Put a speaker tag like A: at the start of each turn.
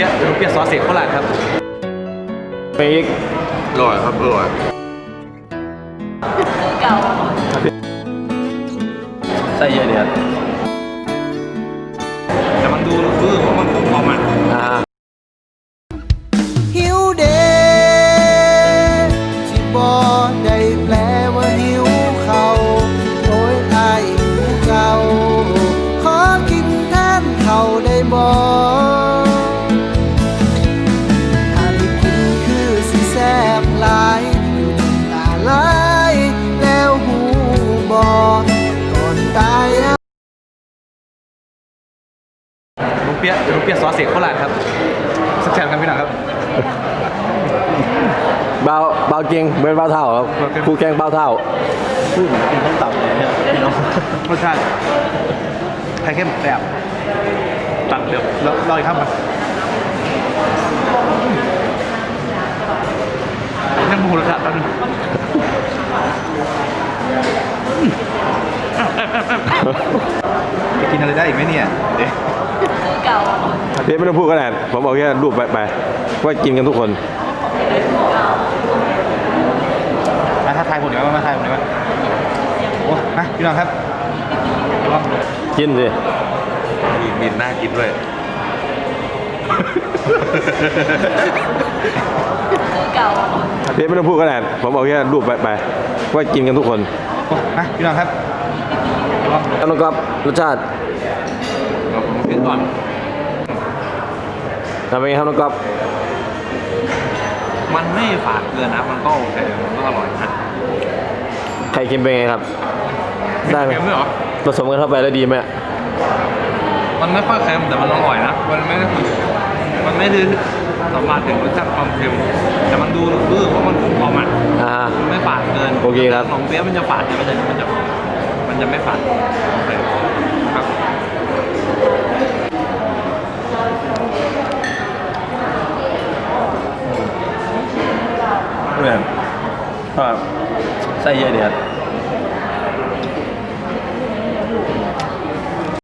A: เปี๊ยะซอสเสกโคราชครับ
B: ไปอีก
C: อร่อยครับอร่อย
D: เก่า
B: ใส่เยอะเดียว
A: แต่มันดูว่ามันกลมๆอ่ะ
E: หิวเดที่บ่ได้แปลว่าหิวเขาโอ้ยอายหิวเก่าขอกินแทนเขาได้บ่ถ้าได้กินคือสิแซ่บหลายอยู่จนตาลายแล้วหูบ่ก่อนตาย
A: ลุงเปี๊ยะซอสเสกโคราชครับสักแชมกันพี่หน่อยครับ
B: เบาเก่งเป็นเบาเท่าครับคู่แข่งเบาเท่าพูดกินต้มตับเลยเนี่ยพี่น้อง
A: รสชาติไข่เข้มแซ่บตัดเดี๋ยวแล้วรออีกครับมันนั่งมูรสชาติแป๊บนึงจะกินอะไรได้อีกไหมเนี่ยเดี๋ยว
D: เก่า
B: เพี่ไม่ต้องพูดก็ได้ผมเอาแค่รูปไปว่ากินกันทุกคน
A: มาท้าทายผมดีไหมมาทายผมดีไหมโอ้มาพี่น้องครับลอง
B: กินสิ
C: มีน่ากินด้วย
D: เก่า
B: เพี่ไม่ต้องพูดก็ได้ผมเอาแค่รูปไปว่ากินกันทุกคน
A: โอ้มาพี่น้องครับลอง
B: แล้วน้องก๊อฟรสชาติ
A: ผมกินก่อน
B: ทำเป็นไงครับน้องก๊อฟ
A: มันไม่ฝาดเกินนะมันก็โอเคมันก็อร่อยนะ
B: ไข่เค็มเป็นไงครับได้ไหมผสมกันเข้าไปแล้วดีไหม
A: มันไม่ค่อยเค็มแต่มันอร่อยนะมันไม่ได้สัมผัสถึงรสชาติความเค็มแต่มันดูเพราะมันกลมๆอ่ะไม่ฝาดเกิน
B: โอเคครับ
A: ของเปี๊ยะมันจะฝาดแต่มันจะไม่ฝาดโอเคครับ
B: เหมือนใส่เยอะเดียว